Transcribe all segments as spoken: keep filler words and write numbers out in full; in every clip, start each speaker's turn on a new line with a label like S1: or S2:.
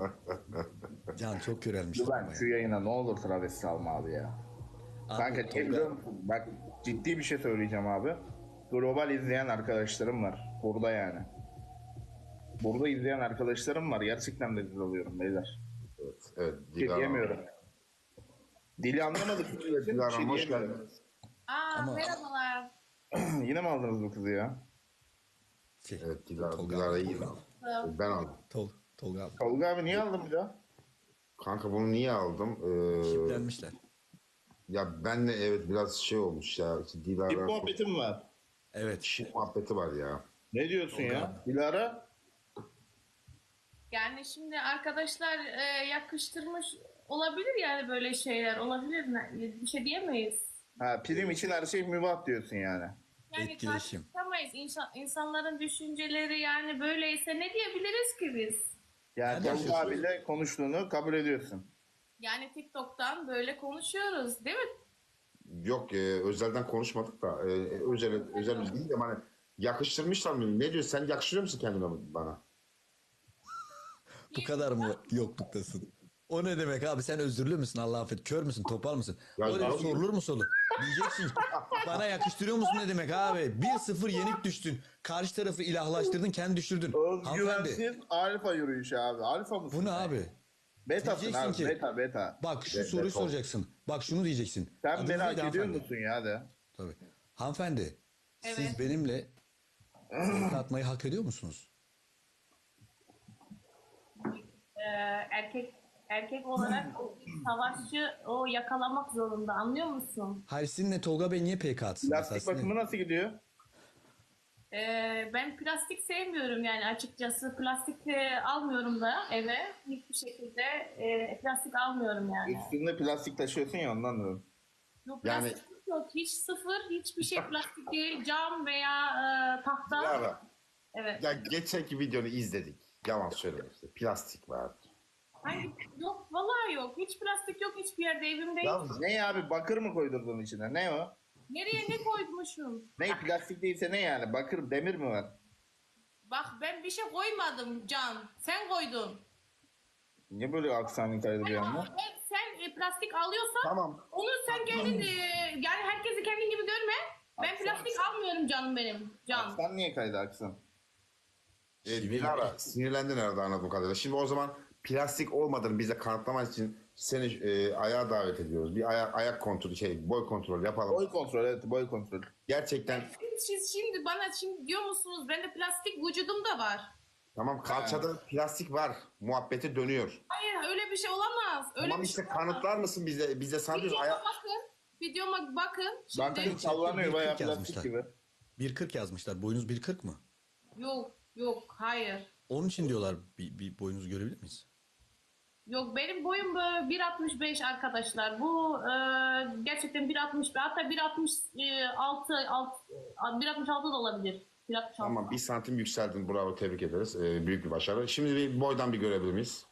S1: Can çok körelmiştir
S2: Güven
S1: ama
S2: şu
S1: ya.
S2: yayına ne olur travesti alma abi ya.
S1: Abi,
S2: Kanka niye
S1: Tolga-
S2: biliyor musun? Bak ciddi bir şey söyleyeceğim abi. Global izleyen arkadaşlarım var. Burada yani. Burada izleyen arkadaşlarım var. Gerçekten de rezil oluyorum beyler.
S3: Evet, evet.
S2: Bir şey
S3: Dilara.
S2: diyemiyorum. Dili anlamadık.
S3: Evet,
S2: için
S3: Dilara
S2: bir şey
S3: Hanım, hoş
S2: diyemiyorum.
S3: geldiniz.
S4: Aa,
S1: Ama-
S4: merhabalar.
S2: Yine mi aldınız bu kızı ya?
S1: Şey,
S3: Evet, Dilara,
S1: Tolga
S3: Dilara
S1: abi.
S3: iyi. Ben aldım.
S1: Tol, Tolga abi.
S2: Tolga abi niye aldın bir daha?
S3: Kanka bunu niye aldım? Ee,
S1: Şiplenmişler.
S3: ya benle evet biraz şey olmuş ya. İşte
S2: Bir
S3: Dilara
S2: muhabbetim var.
S1: Evet.
S3: şit muhabbeti var ya.
S2: Ne diyorsun ya? Dilara?
S4: Yani şimdi arkadaşlar e, yakıştırmış olabilir yani böyle şeyler olabilir mi? Bir şey diyemeyiz.
S2: Ha, prim için her şey mübah diyorsun yani.
S4: Yani
S1: Etkileşim.
S4: tartışamayız. İnsan, insanların düşünceleri yani böyleyse ne diyebiliriz ki biz?
S2: Yani
S1: Hadi
S2: Tolga
S1: yaşasın.
S2: abiyle konuştuğunu kabul ediyorsun.
S4: Yani TikTok'tan böyle konuşuyoruz değil mi?
S3: Yok e, özelden konuşmadık da e, özel özel değil de hani yakıştırmışlar mı? Ne diyor? Sen yakıştırıyor musun kendine bana?
S1: Bu kadar mı yokluktasın? O ne demek abi, sen özürlü müsün, Allah affet, kör müsün, topal mısın?
S3: Ya
S1: Öyle
S3: abi-
S1: sorulur mu soru? Diyeceksin ki, bana yakıştırıyor musun ne demek abi? bir sıfır yenik düştün. Karşı tarafı ilahlaştırdın, kendi düşürdün. Hanımefendi,
S2: Özgüvensiz alfa yürüyüşü abi. Alfa mısın?
S1: bu ne
S2: sen?
S1: abi?
S2: Betasın
S1: Diyeceksin
S2: abi.
S1: ki-
S2: Beta beta.
S1: Bak şu
S3: Evet,
S1: soruyu
S3: evet,
S1: soracaksın. Bak şunu diyeceksin.
S2: Sen
S1: Adınız
S2: beni hak
S1: neydi
S2: ediyor
S1: hanımefendi?
S2: musun ya de.
S1: Tabii. Hanımefendi,
S4: Evet.
S1: siz benimle orta atmayı hak ediyor musunuz?
S4: Ee, erkek erkek olarak o savaşçı o yakalamak zorunda, anlıyor musun?
S1: Hayır, sizinle Tolga Bey niye P K atsın?
S2: Plastik
S1: Mesela
S2: bakımı nasıl gidiyor?
S4: Ee, ben plastik sevmiyorum yani açıkçası. Plastik e, almıyorum da eve. Hiçbir şekilde e, plastik almıyorum yani.
S2: Üstünde plastik taşıyorsun ya ondan diyorum.
S4: Yok,
S3: Yani-
S4: plastik yok. Hiç sıfır. Hiçbir şey plastik değil. Cam veya e, tahta.
S3: Dilara.
S4: Evet.
S3: Ya geçenki videonu izledik. Yalan söyleme işte. Plastik vardı.
S4: Hangi? Yok. Vallahi yok. Hiç plastik yok hiçbir yerde. Evimde
S3: Ya
S4: hiç.
S2: Ne abi bakır mı koydurdun içine? Ne o?
S4: Nereye ne koymuşum?
S2: Ne plastik değilse ne yani? Bakır demir mi var?
S4: Bak ben bir şey koymadım Can. Sen koydun.
S2: Niye böyle aksanın kaydırıyor ama?
S4: Ben, sen e, plastik alıyorsan
S3: Tamam.
S4: onu sen kendin e, yani herkesi kendin gibi görme. Ben
S2: Aksan-
S4: plastik almıyorum canım benim. Can.
S2: Aksan niye kaydı aksan?
S3: E, Dilara sinirlendin herhalde anladığım kadarıyla. Şimdi o zaman plastik olmadığını bize kanıtlamak için seni e, ayağa davet ediyoruz. Bir ayak, ayak kontrolü, şey boy kontrolü yapalım.
S2: Boy kontrol evet boy kontrol.
S3: Gerçekten
S4: Siz şimdi bana şimdi diyor musunuz bende plastik vücudumda var.
S3: tamam kalçada plastik var. Muhabbeti dönüyor.
S4: Hayır öyle bir şey olamaz. Öyle
S3: Tamam
S4: bir
S3: işte
S4: şey olamaz.
S3: kanıtlar mısın bize? Bize sadece
S4: Videoma
S3: ayak...
S4: bakın. Videoma bakın. Şimdi
S2: Bakın sallanıyor bayağı
S1: bir
S2: plastik
S1: yazmışlar.
S2: gibi.
S1: bir kırk yazmışlar. Boyunuz bir kırk mı?
S4: yok yok hayır.
S1: Onun için diyorlar, bir, bir boyunuzu görebilir miyiz?
S4: Yok benim boyum böyle bir altmış beş arkadaşlar. Bu e, gerçekten bir altmış beş hatta bir altmış altı alt, bir altmış altı da olabilir. bir altmış altı.
S3: Tamam bir santim yükseldin. Bravo tebrik ederiz. Ee, büyük bir başarı. Şimdi bir boydan bir görebilir miyiz?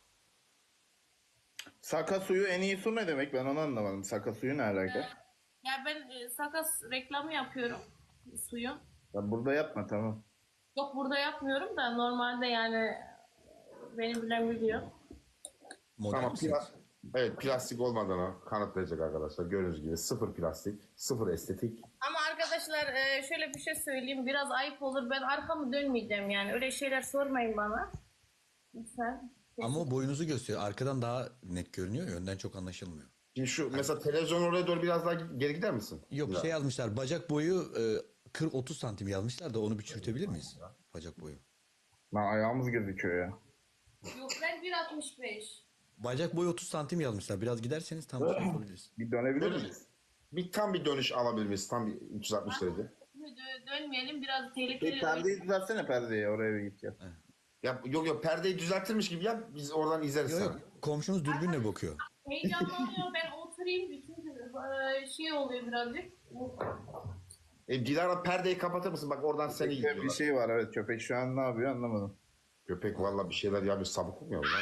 S2: Saka suyu en iyi su ne demek? Ben onu anlamadım. Saka suyu ne alaka?
S4: Ya ben e, sakas reklamı yapıyorum suyun.
S2: Ya burada yapma tamam.
S4: Yok burada yapmıyorum da normalde yani benim bilen biliyor.
S1: Modern
S3: Tamam.
S1: misiniz?
S3: Plas evet plastik olmadığını kanıtlayacak arkadaşlar. Gördüğünüz gibi sıfır plastik, sıfır estetik.
S4: Ama arkadaşlar e, şöyle bir şey söyleyeyim biraz ayıp olur ben arkamı dönmeyeceğim yani öyle şeyler sormayın bana. Lütfen.
S1: Ama o boyunuzu gösteriyor. Arkadan daha net görünüyor ya, önden çok anlaşılmıyor.
S3: Şimdi şu mesela televizyon oraya doğru biraz daha geri gider misin?
S1: Yok
S3: Biraz.
S1: şey yazmışlar, bacak boyu e, kırk otuz santim yazmışlar da onu bir çürütebilir miyiz? Bacak boyu.
S2: Lan ayağımız gözüküyor ya.
S4: Yok ben bir altmış beş.
S1: Bacak boyu otuz santim yazmışlar. Biraz giderseniz tam şey yapabiliriz.
S2: Bir dönebilir
S3: Böyle
S2: miyiz?
S3: bir tam bir dönüş alabilir miyiz? Tam bir üç yüz altmış derece.
S4: Şimdi dö- dönmeyelim biraz
S2: Bir
S4: tehlikeli.
S2: perdeyi düzeltsene perdeyi oraya bir git gel.
S3: Ya yok yok perdeyi düzeltirmiş gibi yap. Biz oradan izleriz
S1: Yok
S3: sana.
S1: yok, komşunuz dürbünle bakıyor.
S4: Heyecanlanıyor ben oturayım çünkü e, şey oluyor birazcık.
S3: E, Dilara perdeyi kapatır mısın? Bak oradan seni
S2: Bir
S3: izliyorlar.
S2: şey var evet köpek şu an ne yapıyor anlamadım.
S3: Köpek valla bir şeyler yapıyor. Sabık olmuyor lan.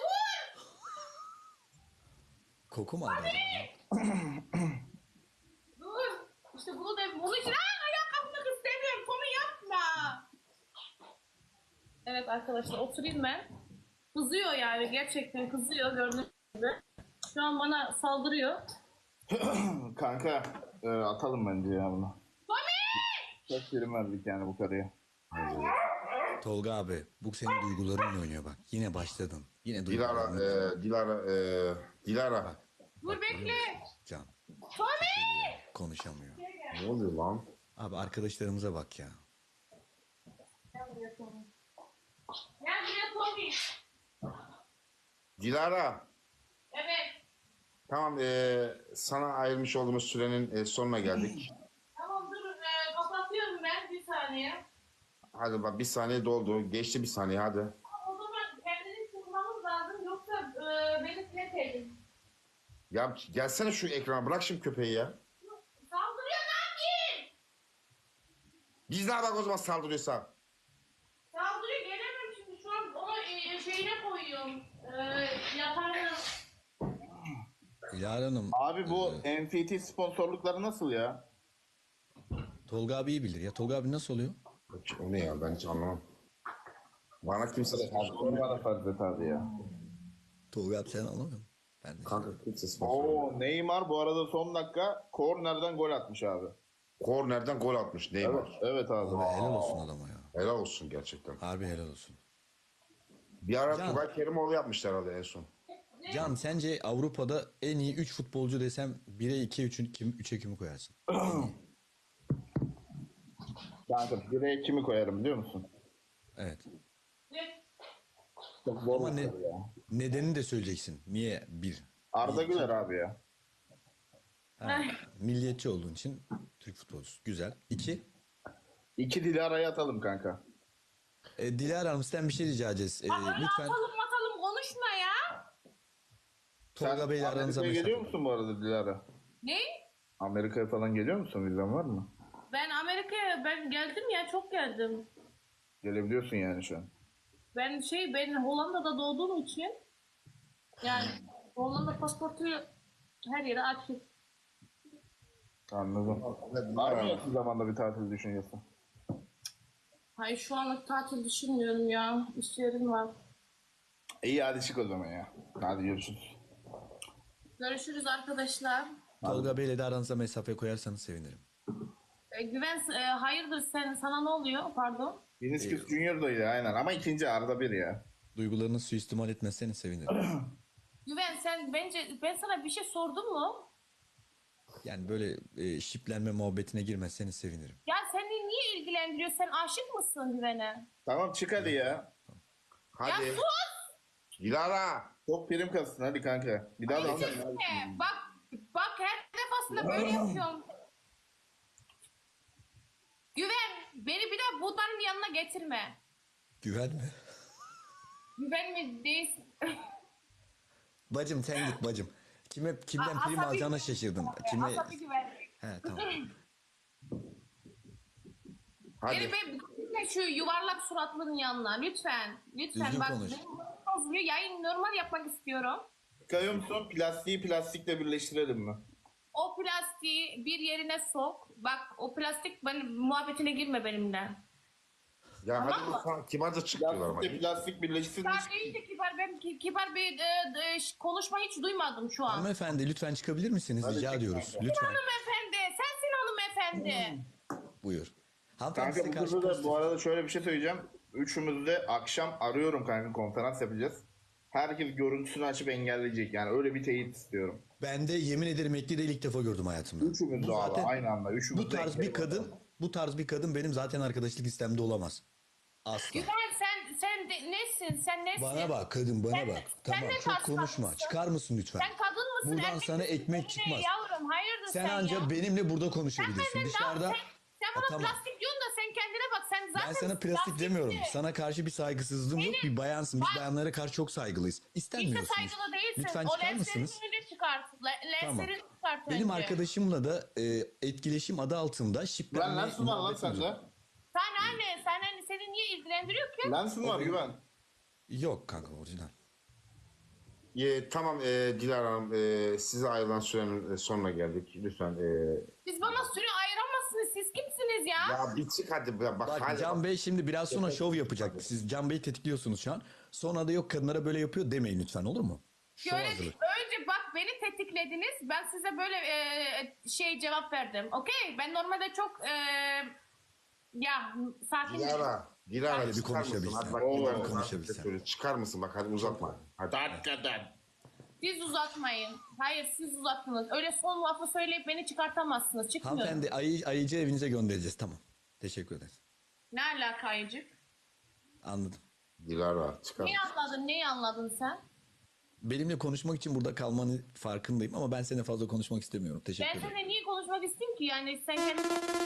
S1: Koku mu aldı acaba?
S4: Dur. İşte bunu da bunu için Aa, ayağa kalkmak istemiyorum. Konu yapma. Evet arkadaşlar oturayım ben. Kızıyor yani, gerçekten kızıyor gördüğünüz gibi. Şu an bana saldırıyor.
S2: Kanka e, atalım bence ya bunu. Çok prim verdik yani bu karıya.
S1: Tolga abi bu senin duygularınla oynuyor bak. Yine başladın. Yine
S3: Dilara,
S1: duygularınla.
S3: e, Dilara, e, Dilara.
S4: Dur bekle.
S1: Can
S4: Tommy!
S1: konuşamıyor.
S3: Ne oluyor lan?
S1: Abi arkadaşlarımıza bak ya.
S4: Gel buraya Tommy. Gel buraya Tommy.
S3: Dilara.
S4: Evet.
S3: Tamam, e, sana ayrılmış olduğumuz sürenin e, sonuna geldik.
S4: Tamam dur, e, kapatıyorum ben bir saniye.
S3: Hadi bak, bir saniye doldu. Geçti bir saniye, hadi.
S4: O zaman kendini tutmamız lazım, yoksa e, beni siletelim.
S3: Ya gelsene şu ekrana, bırak şimdi köpeği ya.
S4: Saldırıyor, ne yapayım?
S3: Biz ne bak o zaman saldırıyorsa.
S4: Saldırıyor, gelemem şimdi, şu an onu e, şeyine koyuyorum. E, yatağına.
S1: Dilara Hanım.
S2: Abi bu N F T sponsorlukları nasıl ya?
S1: Tolga abi iyi bilir ya. Tolga abi nasıl oluyor?
S3: O ne ya, ben hiç anlamam. Bana kimse de
S2: Onu bana fark et abi ya.
S1: Tolga abi sen anlamıyor musun? Ben de.
S3: kanka kimse sponsor.
S2: Oo Neymar bu arada son dakika kornerden gol atmış abi.
S3: Kornerden gol atmış
S2: Evet,
S3: Neymar.
S2: evet abi.
S1: Abi helal olsun adama ya.
S3: Helal olsun gerçekten.
S1: Harbi helal olsun.
S3: Bir ara
S1: Can.
S3: Tugay Kerimoğlu yapmışlar herhalde en son.
S1: Can sence Avrupa'da en iyi üç futbolcu desem bire ikiye üç'ün kim üçe kimi koyarsın?
S2: Kanka bireye kimi koyarım biliyor musun?
S1: Evet.
S4: Ne?
S2: Çok zor
S1: Ama
S2: bir
S1: ne,
S2: soru ya.
S1: nedenini de söyleyeceksin. Niye bir?
S2: Arda Güler abi ya.
S1: Ha, milliyetçi olduğun için Türk futbolcusu. Güzel. İki.
S2: İki Dilara'yı atalım kanka.
S1: E, Dilara Hanım sizden bir şey rica edeceğiz. E,
S4: Aa, öyle
S1: lütfen
S4: atalım atalım konuşma ya.
S1: Tolga
S2: Sen
S1: Bey'le aranıza
S2: Amerika'ya
S1: mesafe.
S2: geliyor musun bu arada Dilara?
S4: Ne?
S2: Amerika'ya falan geliyor musun? Vizen var mı?
S4: Ben Amerika'ya ben geldim ya, çok geldim.
S2: Gelebiliyorsun yani şu an.
S4: Ben şey ben Hollanda'da doğduğum için yani Hollanda pasaportu her yere açık.
S2: Anladım. Var mı yakın zamanda bir tatil düşüncesi?
S4: Hayır, şu anlık tatil düşünmüyorum ya. İşlerim var.
S2: İyi hadi çık o zaman ya. Hadi görüşürüz.
S4: Görüşürüz arkadaşlar.
S1: Tolga Bey'le de aranıza mesafe koyarsanız sevinirim.
S4: E, Güven, e, hayırdır sen, sana ne oluyor? Pardon.
S2: Vinicius Junior'daydı aynen ama ikinci Arda bir ya.
S1: Duygularını suistimal etmezseniz sevinirim.
S4: Güven, sen bence ben sana bir şey sordum mu?
S1: Yani böyle e, şiplenme muhabbetine girmezseniz sevinirim.
S4: Ya seni niye ilgilendiriyor? Sen aşık mısın Güven'e?
S2: Tamam çık hadi ya.
S3: Hadi.
S4: Ya sus!
S3: Dilara.
S2: Çok prim kastın hadi kanka. Bir daha da
S4: Ay, sesine. Bak, bak her defasında böyle yapıyorsun. Güven, beni bir daha bunların yanına getirme.
S1: Güven mi?
S4: Güven mi değilsin?
S1: Bacım sen git bacım. Kime kimden
S4: A-
S1: prim
S4: asabi-
S1: alacağına şaşırdım. Kime?
S4: Asabi Güven.
S1: He tamam.
S3: Hadi.
S4: Beni be, gitme şu yuvarlak suratlının yanına lütfen. Lütfen
S1: Düzgün
S4: bak,
S1: konuş.
S4: benim moralim bozuluyor. Yayın normal yapmak istiyorum.
S2: Çıkıyor musun? Plastiği plastikle birleştirelim mi?
S4: O plastiği bir yerine sok. Bak, o plastik benim muhabbetine girme benimle.
S3: Ya
S4: Tamam
S3: hadi
S4: mı?
S3: lütfen, kibarca çık diyorlar ama.
S2: Plastikle plastik birleşsin.
S4: Kibar değil de kibar. Ben ki- kibar bir e, e, ş- konuşma hiç duymadım şu an.
S1: Hanımefendi lütfen çıkabilir misiniz?
S2: Hadi
S1: Rica
S2: çık
S1: ediyoruz.
S2: kanka.
S1: Lütfen.
S4: Hanımefendi, sensin hanımefendi.
S1: Buyur. Hanımefendi
S2: Kanka
S1: size
S2: bu
S1: karşı
S2: kızı da
S1: pozitif.
S2: bu arada şöyle bir şey söyleyeceğim. Üçümüz de akşam arıyorum kanka, konferans yapacağız. Herkes görüntüsünü açıp engelleyecek yani, öyle bir teyit istiyorum.
S1: Ben de yemin ederim ekli değil ilk defa gördüm hayatımda.
S2: Üçümüz de
S1: Bu
S2: abi
S1: zaten-
S2: aynı anda. Üçümüz
S1: Bu
S2: de
S1: tarz bir
S2: ekleyelim.
S1: kadın, bu tarz bir kadın benim zaten arkadaşlık listemde olamaz. Asla.
S4: Güven, sen sen de, nesin? Sen nesin?
S1: Bana bak kadın bana
S4: Sen-
S1: bak.
S4: sen
S1: Tamam
S4: ne
S1: çok
S4: tarz
S1: konuşma.
S4: kadınsın?
S1: Çıkar mısın lütfen?
S4: Sen kadın mısın?
S1: Buradan
S4: erkek
S1: sana
S4: misin?
S1: ekmek
S4: Ne
S1: çıkmaz.
S4: Yavrum, hayırdır sen,
S1: Sen ancak
S4: ya?
S1: benimle burada
S4: Sen
S1: konuşabilirsin.
S4: benden
S1: Dışarıda
S4: daha, sen, sen bana
S1: Ha, tamam.
S4: plastik diyorsun da sen kendine bak. Sen zaten
S1: Ben sana plastik demiyorum.
S4: plastikçi.
S1: Sana karşı bir saygısızlığım yok. Bir bayansın. Biz
S4: Bak-
S1: bayanlara karşı çok saygılıyız.
S4: Hiç de
S1: İstenmiyorsunuz.
S4: saygılı değilsin.
S1: Lütfen
S4: o
S1: çıkar
S4: lenslerin
S1: mısınız?
S4: önünde çıkart. Le-
S1: Tamam.
S4: Lenslerini çıkart
S1: Benim
S4: önce.
S1: arkadaşımla da e, etkileşim adı altında
S2: Lan
S1: şiplenme
S2: lensin var lan
S1: muhabbetimiz
S2: sende.
S1: var.
S4: Sen anne, sen anne, seni niye ilgilendiriyor ki?
S2: Lensin var güven.
S1: Yok kanka orijinal.
S3: Ye, tamam e, Dilara Hanım, e, size ayrılan sürenin e, sonuna geldik. Lütfen. E,
S4: Siz bana süre ayıramazsınız. Siz kimsiniz ya?
S3: ya bir çık hadi. Bak,
S1: Bak
S3: hadi.
S1: Can Bey şimdi biraz sonra şov yapacak. Siz Can Bey'i tetikliyorsunuz şu an. Sonra da yok kadınlara böyle yapıyor demeyin lütfen, olur mu? Şov
S4: Şöyle
S1: hazırlık.
S4: önce bak beni tetiklediniz. Ben size böyle e, şey cevap verdim. Okey. Ben normalde çok e, ya sakin.
S3: Dilara, Dilara
S1: Hadi bir
S3: çıkar mısın?
S1: konuşabilsen.
S3: Hadi bak,
S2: Oo,
S3: Dilara,
S1: bir konuşabilsen.
S3: söyle. Çıkar mısın? Bak hadi uzatma. Hadi.
S2: Hakikaten.
S4: Siz uzatmayın. Hayır siz uzattınız. Öyle son lafı söyleyip beni çıkartamazsınız. Çıkmıyorum.
S1: Hanımefendi ayı, ayıcı evinize göndereceğiz, tamam. Teşekkür ederiz.
S4: Ne alaka Ayıcık?
S1: Anladım.
S3: Dilara çıkar
S4: Neyi
S3: mısın?
S4: anladın? Neyi anladın sen?
S1: Benimle konuşmak için burada kalmanı farkındayım ama ben seninle fazla konuşmak istemiyorum. Teşekkür
S4: Ben
S1: ederim.
S4: seninle niye konuşmak isteyeyim ki? Yani sen kendin...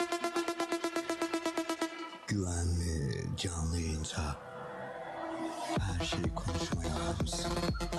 S1: Güvenli canlı yayınca her şeyi konuşmaya hazırsın.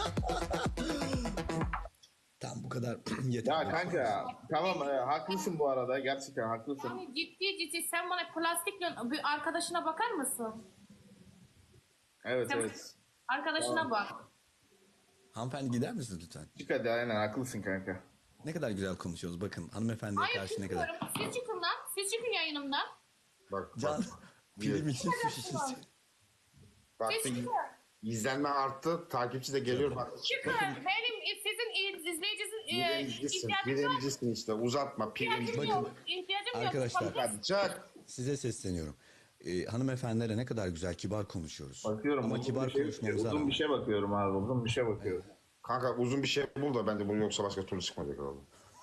S1: Tam bu kadar yeter.
S2: Ya kanka tamam e, haklısın bu arada. Gerçekten haklısın.
S4: Yani ciddi ciddi sen bana plastikle bir arkadaşına bakar mısın?
S2: Evet
S4: Sen
S2: evet.
S4: arkadaşına bak.
S1: Hanımefendi gider misiniz lütfen?
S2: Çık hadi aynen haklısın kanka.
S1: Ne kadar güzel konuşuyoruz. Bakın hanımefendiye
S4: Hayır
S1: karşı ne kadar.
S4: çıkmıyorum. Siz çıkın lan. Siz çıkın yayınımdan.
S3: Bak
S1: Can,
S3: bak.
S1: pilim için su şişesi.
S3: Bak
S4: Siz
S3: bir
S4: çıkın.
S3: izlenme arttı. Takipçi de geliyor. Bak.
S4: Çıkın. Benim e, sizin iz- izleyiciniz e,
S3: Birincisin.
S4: ihtiyacım yok.
S3: Birincisin işte. Uzatma.
S4: İhtiyacım
S3: Birinci.
S4: yok. İhtiyacım yok.
S1: Arkadaşlar.
S3: Hadi çık.
S1: Size sesleniyorum. Ee, hanımefendilere ne kadar güzel, kibar konuşuyoruz.
S2: Bakıyorum.
S1: Ama
S2: uzun
S1: kibar
S2: bir şey,
S1: konuşmamıza
S2: uzun
S1: rağmen.
S2: bir şey bakıyorum abi. Uzun bir şey bakıyorum.
S3: Kanka uzun bir şey bul da bence bunu, yoksa başka türlü çıkmayacak abi.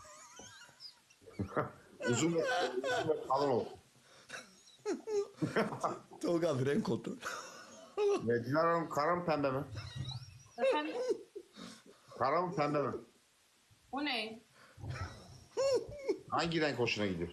S3: uzun ve uzun ve kalın ol.
S1: Tolga abi renk kontrol.
S3: Ve Dilara Hanım kara mı pembe mi?
S4: Efendim?
S3: Kara mı pembe mi?
S4: O ne?
S3: Hangi renk hoşuna gidiyor?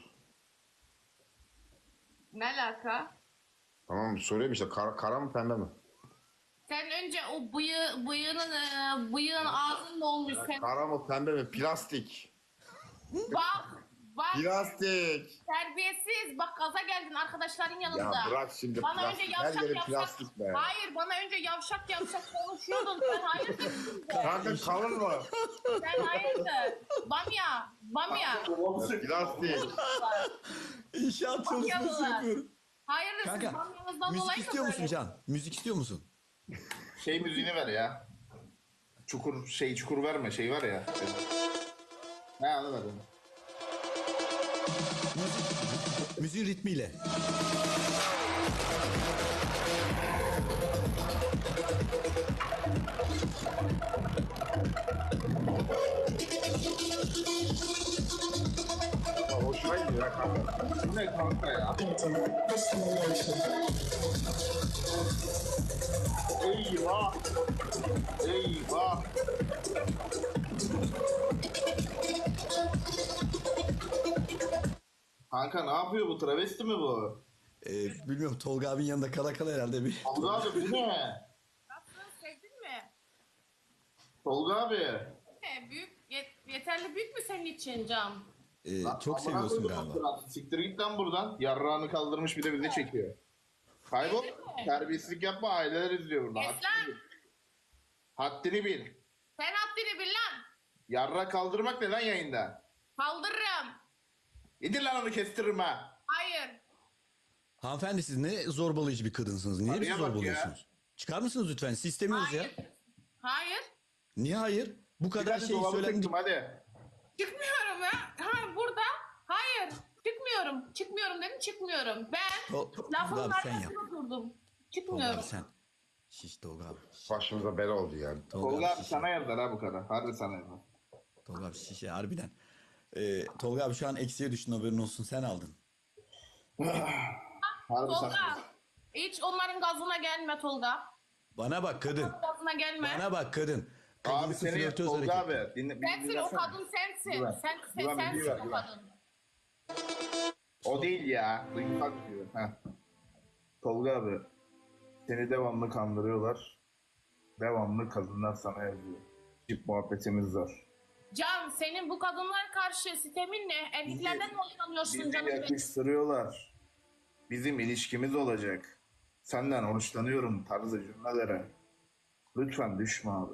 S4: Ne alaka?
S3: Tamam soruyorum işte kara, kara mı pembe mi?
S4: Sen önce o bıyığı, bıyığının, e, bıyığın ağzın ne olmuş sen?
S3: Kara mı pembe mi? Plastik.
S4: Bak, bak
S3: Plastik.
S4: terbiyesiz. Bak gaza geldin arkadaşların yanında.
S3: Ya bırak şimdi
S4: Bana
S3: plastik.
S4: önce
S3: Her
S4: yavşak
S3: yeri
S4: yavşak.
S3: plastik be.
S4: Hayır bana önce yavşak yavşak konuşuyordun. Sen hayırdır?
S3: Kanka kalın mı?
S4: Sen hayırdır? Bamya, bamya.
S3: Plastik.
S1: İnşaat çalışması
S4: Bakıyorlar.
S1: yapıyorum.
S4: Hayırdır siz
S1: Kanka
S4: bamyanızdan
S1: müzik
S4: dolayı mı
S1: istiyor musun
S4: böyle?
S1: Can? Müzik istiyor musun?
S2: Şey müziğini ver ya. Çukur şey çukur verme şey var ya. Ha onu ver. onu.
S1: Müziğin ritmiyle.
S3: Hoşuma gidiyor ya kanka.
S2: Bu ne kanka ya? Eyvah. Eyvah. Kanka ne yapıyor bu? Travesti mi bu?
S1: Ee, bilmiyorum, Tolga abinin yanında kala kala herhalde bir.
S2: Tolga abi bu ne?
S4: Nasıl sevdin mi?
S2: Tolga abi.
S4: Ne, büyük, yet- yeterli büyük mü senin için Can?
S1: Ee,
S2: Lan
S1: çok
S2: amına
S1: seviyorsun
S2: koydum
S1: galiba.
S2: lan. Siktir git lan buradan. Yarrağını kaldırmış bir de bizi çekiyor. Kaybol. Terbiyesizlik yapma, aileler izliyor burada.
S4: Kes lan.
S2: Haddini bil.
S4: Sen haddini bil lan.
S2: Yarra kaldırmak ne lan yayında?
S4: Kaldırırım.
S2: İdir lan onu kestiririm ha.
S4: Hayır.
S1: Hanımefendi siz ne zorbalayıcı bir kadınsınız. Niye bizi
S2: Araya bak
S1: zorbalıyorsunuz? Çıkar mısınız lütfen? Siz istemiyoruz ya.
S4: Hayır. Hayır.
S1: Niye hayır? Bu
S2: Bir
S1: kadar
S2: hadi
S1: şey
S2: dolabı
S1: söylendi.
S2: tıktım hadi.
S4: Çıkmıyorum ya. Ha, burada. Hayır. Çıkmıyorum. Çıkmıyorum dedim çıkmıyorum. Ben
S1: To- to-
S4: lafımın
S1: Tolga abi sen yap.
S4: arkasında durdum.
S1: Tolga
S4: Çıkmıyorum.
S1: abi sen. Şiş Tolga abi. Şiş.
S3: Başımıza bela oldu yani.
S2: Tolga abi
S1: şiş.
S2: sana yazar ha bu kadar. Harbi sana yazar.
S1: Tolga abi şişe harbiden. Ee, Tolga abi şu an eksiye düştün, haberin olsun, sen aldın.
S2: Harbi sana yazar.
S4: Tolga. Hiç onların gazına gelme Tolga.
S1: Bana bak kadın.
S4: Gazına gelme.
S1: Bana bak kadın.
S2: Abi
S1: Kadınsı
S2: seni
S1: flörtöz
S2: Tolga
S1: hareket.
S2: abi. Dinle, bir
S4: Sensin o
S2: dinlesene.
S4: kadın sensin.
S2: Güven.
S4: Sen, sen
S2: Güven,
S4: sensin
S2: güven,
S4: o
S2: güven.
S4: kadın.
S2: O değil ya. Duygusal diyor. Heh. Tolga abi. Seni devamlı kandırıyorlar. Devamlı kadınlar sana yazıyor. Tip muhabbetimiz var.
S4: Can senin bu kadınlara karşı sistemin ne? Erkeklerden mi hoşlanıyorsun
S2: Bizi
S4: canım? benim?
S2: yakıştırıyorlar. Bizim ilişkimiz olacak. Senden hoşlanıyorum tarzı cümlelere. Lütfen düşme abi.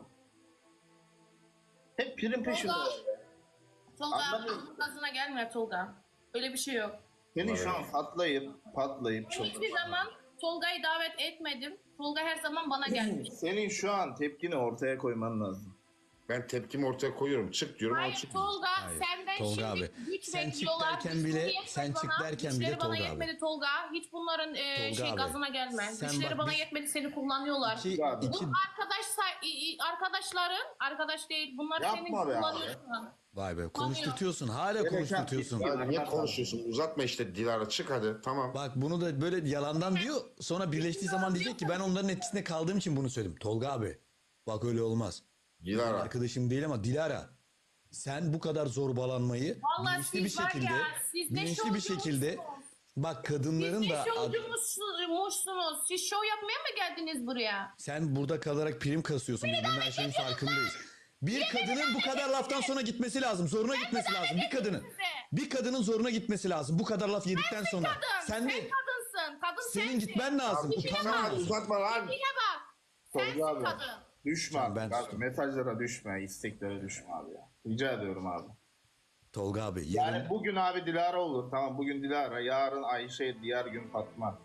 S2: Hep prim peşinde.
S4: Tolga. Tolga
S2: Anlamıyorum.
S4: kadın gazına gelme Tolga. Öyle bir şey yok.
S2: Senin şu an patlayıp patlayıp
S4: Ben
S2: çok.
S4: hiçbir zaman Tolga'yı davet etmedim. Tolga her zaman bana gelmiş.
S2: Senin şu an tepkini ortaya koyman lazım.
S3: Ben tepkimi ortaya koyuyorum. Çık diyorum ama
S4: Hayır
S3: çıkmıyor.
S4: Tolga
S1: Hayır,
S4: senden
S1: Tolga
S4: şimdi
S1: abi,
S4: güç
S1: sen çık
S4: bekliyorlar.
S1: derken
S4: Güçleri
S1: bile-
S4: yetmedi
S1: sen çık
S4: bana.
S1: derken
S4: Güçleri
S1: bile
S4: bana
S1: Tolga abi.
S4: yetmedi Tolga. Hiç bunların e,
S1: Tolga
S4: şey
S1: abi,
S4: gazına gelme.
S1: sen
S4: Güçleri
S1: bak
S4: bana
S1: biz-
S4: yetmedi seni kullanıyorlar.
S1: İki,
S2: Abi.
S1: iki,
S4: Bu arkadaş say- i- i- arkadaşların arkadaş değil. Bunlar
S2: Yapma
S4: seni
S2: be abi.
S4: kullanıyorsun.
S1: vay be konuşturtuyorsun. Hala
S2: Gereken
S1: konuşturtuyorsun.
S2: tepki-
S3: Ya niye konuşuyorsun? Uzatma işte Dilara, çık hadi. Tamam.
S1: Bak bunu da böyle yalandan diyor. Sonra birleştiği zaman diyecek ki ben onların etkisinde kaldığım için bunu söyledim. Tolga abi bak öyle olmaz.
S3: Dilara.
S1: Arkadaşım değil ama Dilara. Sen bu kadar zorbalanmayı
S4: Vallahi
S1: bilinçli bir
S4: siz var
S1: şekilde
S4: ya, siz ne
S1: bilinçli bir
S4: şovcumuzsunuz.
S1: şekilde bak kadınların
S4: Siz
S1: da
S4: ne şovcumuzsunuz? Siz şov yapmaya mı geldiniz buraya?
S1: sen burada kalarak prim kasıyorsun. Biz bunun her şeyin farkındayız. Bir kadının bu kadar laftan sonra gitmesi lazım. Zoruna gitmesi lazım. Bir kadının. Bir kadının zoruna gitmesi lazım. Bu kadar laf yedikten sonra.
S4: Kadın,
S1: Sen
S4: sen
S1: de
S4: kadınsın. Kadın
S1: senin
S4: sensin.
S1: gitmen lazım.
S3: Abi,
S1: Utanman
S3: tamam,
S1: lazım.
S3: uzatma lan.
S4: Yine bak. Sensin
S2: Tolga abi.
S4: kadın.
S2: Düşme
S1: Tamam,
S2: abi.
S1: ben
S2: abi.
S1: sustum.
S2: Mesajlara düşme, isteklere düşme abi ya. Rica ediyorum abi.
S1: Tolga abi yarın
S2: Yani bugün abi Dilara olur. Tamam bugün Dilara, yarın Ayşe, diğer gün Fatma.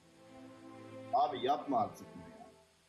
S2: Abi yapma artık bunu ya.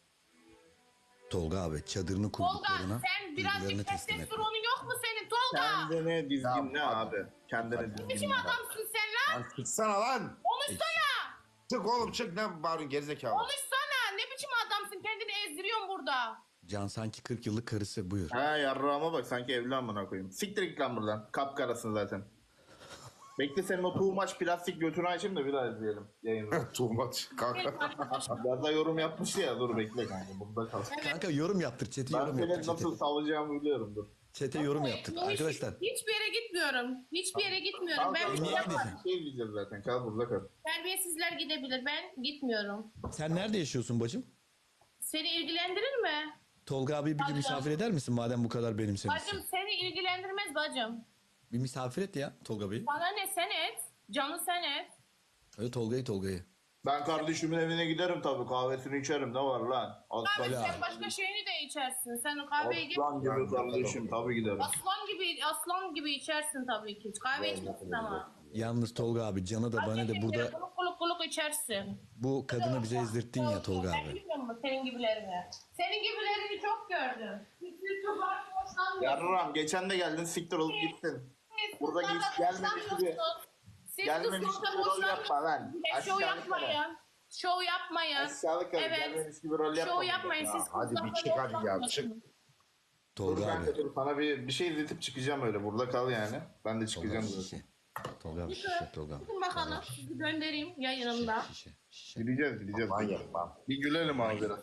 S1: Tolga abi çadırını
S4: Tolga
S1: kurduklarına
S4: sen
S1: duygularını
S4: birazcık
S1: teslim et.
S4: testosteronun yok mu senin Tolga?
S2: Kendine dizginle
S3: Ya,
S2: abi. Kendine dizginle.
S4: Biçim adamsın sen lan?
S3: Lan çıksana lan.
S4: Konuşsana.
S3: Çık oğlum çık, ne bağırıyorsun gerizekalı.
S4: Konuşsana. Ne biçim adamsın? Kendini ezdiriyorsun burada.
S1: Can sanki kırk yıllık karısı buyur.
S2: Ha yarrağıma bak sanki evli amına koyayım. Siktir git lan buradan. Kapkarasın zaten. Bekle senin o too much plastik götünü açayım da bir daha izleyelim yayını.
S3: Tuğmaç kanka.
S2: Ya da yorum yapmış ya dur bekle kanka burada kal.
S1: Kanka yorum yaptır. Çete
S2: Ben
S1: yorum
S2: seni
S1: yaptır. Çete,
S2: nasıl savacağımı biliyorum dur.
S1: çete yorum yaptır.
S4: Hiç-
S1: Arkadaşlar
S4: Hiçbir yere gitmiyorum. Hiçbir yere gitmiyorum.
S2: Kal
S4: Ben
S2: kal
S4: bir şey
S1: niye
S4: yapmam.
S1: gideceksin?
S2: şey diyeceğiz zaten kal burada kal.
S4: Terbiyesizler gidebilir. Ben gitmiyorum.
S1: sen nerede yaşıyorsun bacım?
S4: Seni ilgilendirir mi?
S1: Tolga abi bir gün
S4: Bacım.
S1: misafir eder misin madem bu kadar benimsemişsin?
S4: Bacım seni ilgilendirmez bacım.
S1: Bir misafir et ya Tolga Bey'i.
S4: Bana ne sen et. Canı sen et.
S1: Öyle Tolga'yı Tolga'yı.
S2: Ben kardeşimin evine giderim tabii kahvesini içerim ne var lan.
S4: Abi
S2: Aslan,
S4: sen başka şeyini de içersin. Sen kahveyi git.
S2: aslan gibi kardeşim tabii giderim.
S4: Aslan gibi aslan gibi içersin tabii ki. Kahve içmezsin ama.
S1: Yalnız Tolga abi Can'ı da bana da burada
S4: Kuluk kuluk kuluk içersin.
S1: bu kadını bize ezdirttin ya Tolga
S4: Ben
S1: abi.
S4: bilmiyorum mu senin gibilerini? Senin gibilerini çok gördüm. Hiçbir çok hoşlanmıyorum.
S2: Yarram geçen de geldin siktir olup gittin.
S4: Siz
S2: Burada
S4: kızlardan
S2: geç- gelmemiş
S4: hoşlanmıyorsunuz.
S2: gibi-
S4: Siz
S2: gelmemiş
S4: kızlardan
S2: gibi rol yapma
S4: hoşlanmıyorsunuz.
S2: lan.
S4: Bir de
S2: Aşağılık
S4: Şov
S2: herif.
S4: yapmayın. Şov yapmayın.
S2: Aşağılık herif,
S4: Evet.
S2: gelmemiş gibi rol yapma.
S4: Şov yapmayın. Siz
S3: hadi bir
S4: kızlardan
S3: çık hadi ya,
S4: hoşlanmıyorsunuz.
S3: çık.
S2: Dur
S1: Tolga
S2: kanka
S1: abi.
S2: dur sana bir, bir şey izletip çıkacağım öyle burada kal yani. Ben de
S1: Tolga
S2: çıkacağım
S1: abi
S2: zaten.
S1: şişe. Tolga abi şişe. Tolga abi.
S4: Bakın bakalım. Sizi göndereyim yayınımda.
S1: Şişe. Şişe.
S2: Gideceğiz gideceğiz.
S3: Manyak lan.
S2: Bir gülelim abi biraz.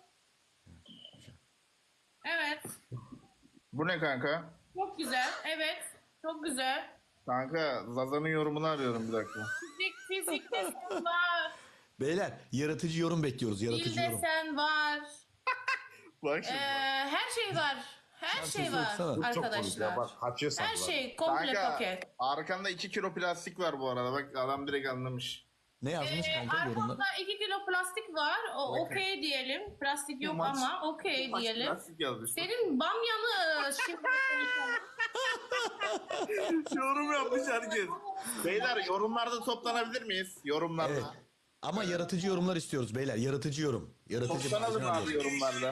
S4: Evet.
S2: Bu ne kanka?
S4: Çok güzel. Evet. Çok güzel.
S2: Kanka Zaza'nın yorumunu arıyorum bir dakika.
S4: Fizik, fizik desen var.
S1: Beyler yaratıcı yorum bekliyoruz.
S4: Dil
S1: Yaratıcı yorum.
S4: desen var.
S2: Bak
S4: Ee,
S2: şimdi.
S4: her şey var. Her
S1: Sen
S4: şey
S1: sus
S4: var
S1: yoksana.
S3: Bu çok komik ya,
S4: arkadaşlar.
S3: bak kaçıyor sanki.
S4: Her
S3: bak.
S4: şey komple
S2: Kanka
S4: paket.
S2: arkanda iki kilo plastik var bu arada. Bak adam direkt anlamış.
S1: Ne yazmış
S4: Ee,
S1: kanka yorumda?
S4: arkamda iki kilo plastik var. O okey diyelim. Plastik yok
S2: Maç-
S4: ama okey
S2: Kaç
S4: diyelim.
S2: plastik yazmış.
S4: Senin bamyanı şimdi
S2: Yorum yapmış herkes. Beyler yorumlarda toplanabilir miyiz? Yorumlarda.
S1: Evet. Ama yaratıcı yorumlar istiyoruz beyler. Yaratıcı yorum. Yaratıcı
S2: Toplanalım
S1: marjinal
S2: abi
S1: yorum.
S2: yorumlarda.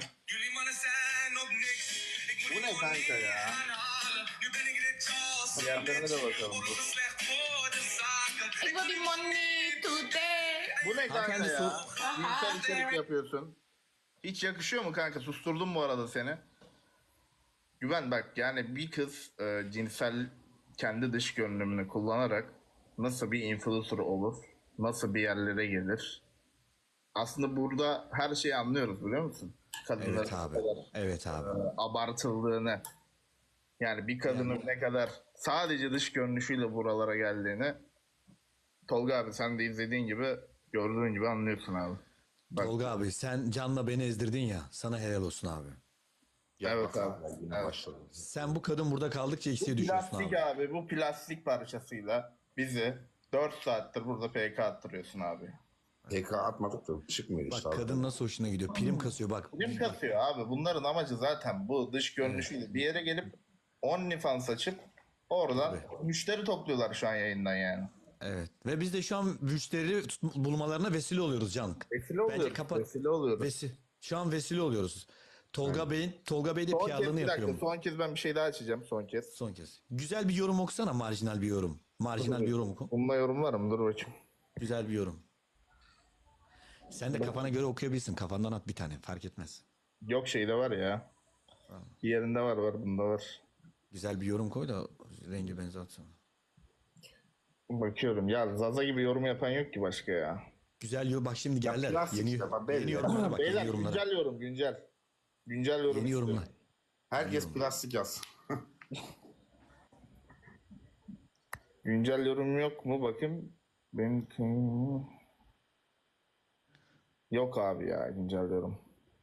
S2: Bu ne kanka ya? Diğerlerine de bakalım. Dur.
S4: I got the money today.
S2: Bu ne kanka
S1: Hanımefendi
S2: ya?
S1: sor-
S2: Cinsel içerik yapıyorsun. Hiç yakışıyor mu kanka? Susturdum bu arada seni. Güven bak yani bir kız e, cinsel kendi dış görünümünü kullanarak nasıl bir influencer olur? Nasıl bir yerlere gelir? Aslında burada her şeyi anlıyoruz biliyor musun? Kadınların
S1: Evet abi.
S2: ne kadar
S1: Evet abi.
S2: abartıldığını. Yani bir kadının ne kadar sadece dış görünüşüyle buralara geldiğini Tolga abi sen de izlediğin gibi gördüğün gibi anlıyorsun abi. Bak,
S1: Tolga abi sen Can'la beni ezdirdin ya. Sana helal olsun abi.
S3: Ya
S2: Evet
S3: bak
S2: abi,
S3: hala yine
S2: evet.
S3: başladı.
S1: Sen bu kadın burada kaldıkça eksiye düşüyorsun
S2: plastik
S1: abi.
S2: abi. bu plastik parçasıyla bizi dört saattir burada P K attırıyorsun abi.
S3: P K atmadık da çıkmıyor işte.
S1: Bak
S3: abi.
S1: kadın nasıl hoşuna gidiyor. Prim kasıyor bak.
S2: Kim kasıyor abi? Bunların amacı zaten bu dış görünüşüyle bir yere gelip OnlyFans açıp oradan müşteri topluyorlar şu an yayından yani.
S1: Evet. Ve biz de şu an müşteri tut- bulmalarına vesile oluyoruz Can.
S2: Vesile
S1: Bence
S2: oluyoruz.
S1: kapat.
S2: Vesile oluyoruz.
S1: Vesi şu an vesile oluyoruz. Tolga Bey'in Tolga Bey de
S2: Son kez
S1: P R'lığını
S2: bir dakika.
S1: yapıyor.
S2: Son kez ben bir şey daha açacağım. Son kez.
S1: Son kez. Güzel bir yorum okusana, marjinal bir yorum. Marjinal bir yorum oku.
S2: Bununla yorumlarım. Dur bakayım.
S1: Güzel bir yorum. Sen de kafana göre okuyabilirsin. Kafandan at bir tane. Fark etmez.
S2: Yok şeyde var ya. Bir yerinde var var. Bunda var.
S1: Güzel bir yorum koy da rengi benzer atsana.
S2: Bakıyorum. Ya Zaza gibi yorum yapan yok ki başka ya.
S1: Güzel yorum. Bak şimdi geldiler.
S3: plastik
S1: Yeni,
S3: işte bak, belli.
S1: yeni yorumlara bak.
S2: Beyler
S1: Yeni yorumlara.
S2: güncel yorum. Güncel. Güncel yorum.
S1: Yeni
S2: istiyorum.
S1: yorumlar.
S3: Herkes plastik yaz.
S2: Güncel yorum yok mu? Bakayım. Benim... Yok abi ya güncel yorum.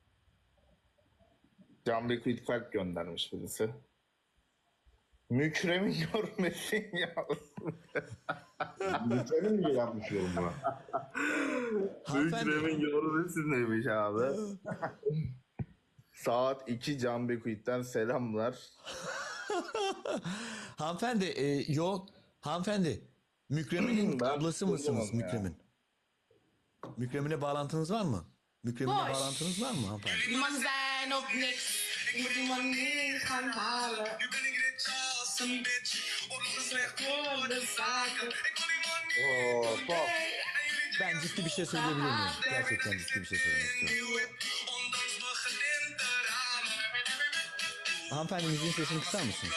S2: Can Liquid Kalp göndermiş birisi. Mükremin görmesin ya.
S3: Mükemmel mi yapmış yorum buna?
S1: Hanımefendi,
S2: Mükremin görmesin demiş abi. Saat iki Can Liquid'den selamlar.
S1: hanımefendi, e, yok. Hanımefendi, Mükremin'in
S2: Ben
S1: ablası mısınız
S2: duyamam ya.
S1: Mükremin? Mükremin'e bağlantınız var mı? Mükremin'e
S4: Boş.
S1: bağlantınız var mı hanımefendi?
S4: Iemand zijn op niks. Ik moet iemand niet gaan halen. Soms slecht worden zaken.
S2: Oo, top.
S1: Ben ciddi bir şey söyleyebilir miyim? Gerçekten ciddi bir şey söylemek istiyorum. Hanımefendi müziğin sesini kısar mısınız?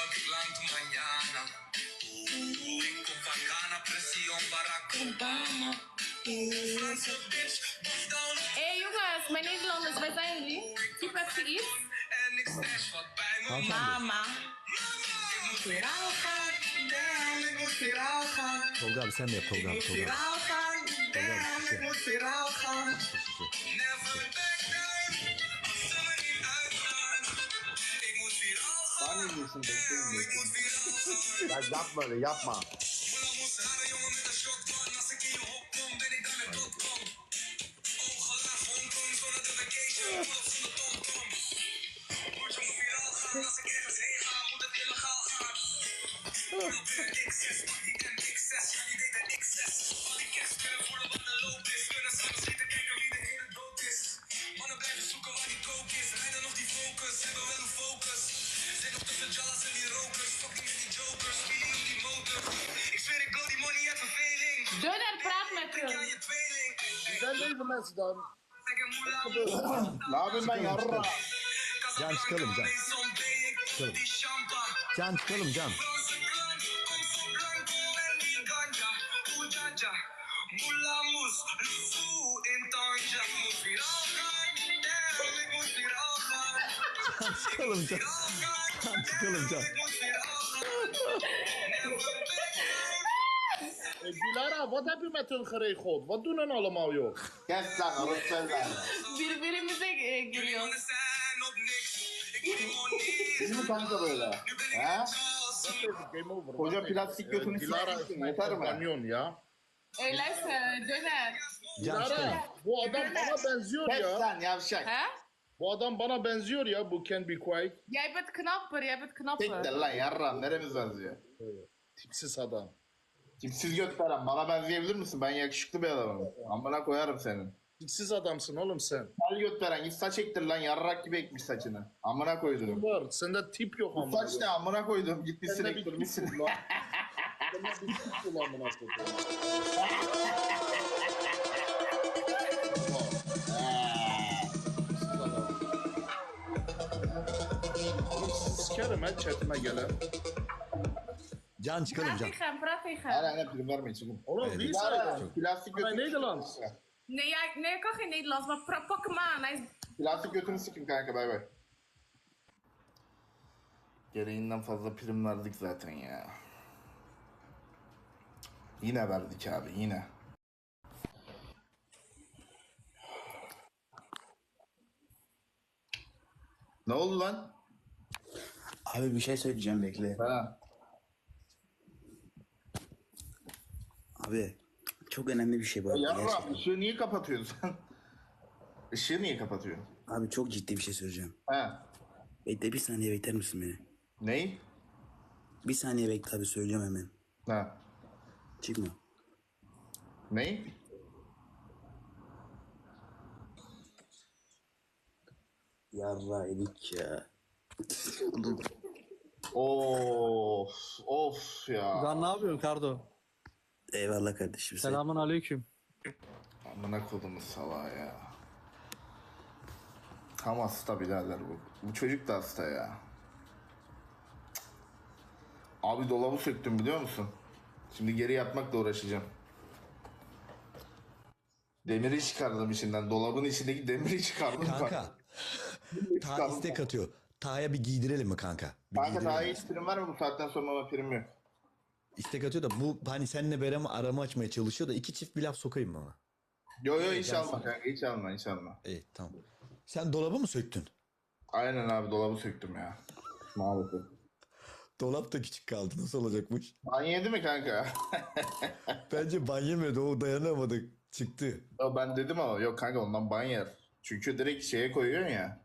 S4: Hé jongens, mijn Nederlanders, waar zijn jullie? Typ even iets.
S1: Hanımefendi,
S4: Mama. Viraal gaan, damn, ik moet viraal gaan.
S1: Tolga abi sen de yap Tolga abi. Tolga abi.
S4: Viraal gaan, damn, ik moet viraal gaan.
S3: Ya yapma öyle yapma.
S4: Döner praat met hem.
S5: Zijn deze mensen dan?
S2: Ne yapayım ben yarra?
S1: Can çıkalım Can. Çıkalım. Can çıkalım Can. Can çıkalım Can. Can çıkalım Can.
S5: Eh, Dilara, wat heb je met hun geregeld? Wat doen hun allemaal, joh?
S2: Kes lan alıp sen
S4: Birbirimize e, giriyor.
S2: Değil mi kanka böyle? He?
S5: Wacht even, game over.
S2: Koca
S5: Wacht even.
S2: plastik
S5: Eh,
S2: götünü
S5: Dilara is
S2: sikmişsin,
S5: mijn
S2: yeter mi?
S5: compagnon, ya?
S4: Hé, luister, döner.
S1: Can çıkalım.
S5: Dilara, bu adam bana benziyor
S2: Kes
S5: ya.
S2: lan yavşak.
S4: Hè?
S5: Bu adam bana benziyor ya, bu Can Be Quiet.
S4: Jij bent knapper, jij bent
S2: Siktir
S4: knapper.
S2: lan yarra neremiz benziyor?
S5: Tipsiz adam.
S2: Tipsiz gösteren bana benzeyebilir misin? Ben yakışıklı bir adamım. Amına koyarım senin.
S5: Tipsiz adamsın oğlum sen.
S2: Kel gösteren git saç ektir lan yarrak gibi ekmiş saçını. Amına koydum.
S5: Var, sende tip yok
S2: Bu
S5: ama.
S2: saç ne amına koydum gitmişsin
S5: Sende bir tip
S2: ektirmişsin.
S5: yok lan. Sende bir tip yok amına koyayım. Tipsiz adam. Oğlum sizi sikerim ha chatime gelen.
S1: Can çıkalım
S4: Praat
S1: Can.
S4: tegen hem, praat tegen
S2: Hala
S4: hem.
S2: ne prim vermeyin çıkın.
S5: Oğlum
S1: Evet.
S5: wie
S2: Yara,
S5: zijn
S2: plastik
S5: Hij
S2: götünü
S5: Nederlands.
S4: Nee, jij, nee, ik kan geen Nederlands, maar pra- pak hem aan. Hij is...
S2: Plastik götünü sikin kanka bay bay. Gereğinden fazla prim verdik zaten ya. Yine verdik abi yine. Ne oldu lan?
S6: Abi bir şey söyleyeceğim bekle.
S2: Ha.
S6: Abi çok önemli bir şey bu.
S2: Ya
S6: arada,
S2: Yavrum
S6: gerçekten.
S2: ışığı niye kapatıyorsun sen? Işığı niye kapatıyorsun?
S6: Abi çok ciddi bir şey söyleyeceğim.
S2: Ha.
S6: Bekle bir saniye bekler misin beni?
S2: Ney?
S6: Bir saniye bekle abi söyleyeceğim hemen.
S2: Ha.
S6: Çıkma.
S2: Ne?
S6: Yarra edik ya.
S2: Of of ya.
S7: Lan ne yapıyorsun Kardo?
S6: Eyvallah kardeşim. Sen.
S7: Selamun aleyküm.
S2: Amına kodumu salağa ya. Tam hasta birader bu. Bu çocuk da hasta ya. Cık. Abi dolabı söktüm biliyor musun? Şimdi geri yapmakla uğraşacağım. Demiri çıkardım içinden. Dolabın içindeki demiri çıkardım.
S1: Kanka. Ta
S2: Çıkardım.
S1: istek atıyor. Ta'ya bir giydirelim mi kanka? Bir
S2: Kanka
S1: giydirelim
S2: daha
S1: mi?
S2: hiç prim var mı bu saatten sonra ama prim yok.
S1: İstek atıyor da bu hani seninle Berem'i arama açmaya çalışıyor da iki çift bir laf sokayım mı ona?
S2: Yo yo hiç alma kanka hiç alma hiç alma.
S1: İyi tamam. Sen dolabı mı söktün?
S2: Aynen abi dolabı söktüm ya. Maalesef.
S1: Dolap da küçük kaldı. Nasıl olacakmış?
S2: Ban yedi mi kanka?
S1: Bence ban yemedi. O dayanamadı. Çıktı.
S2: Yo, ben dedim ama yok kanka ondan ban yer. Çünkü direkt şeye koyuyorsun ya.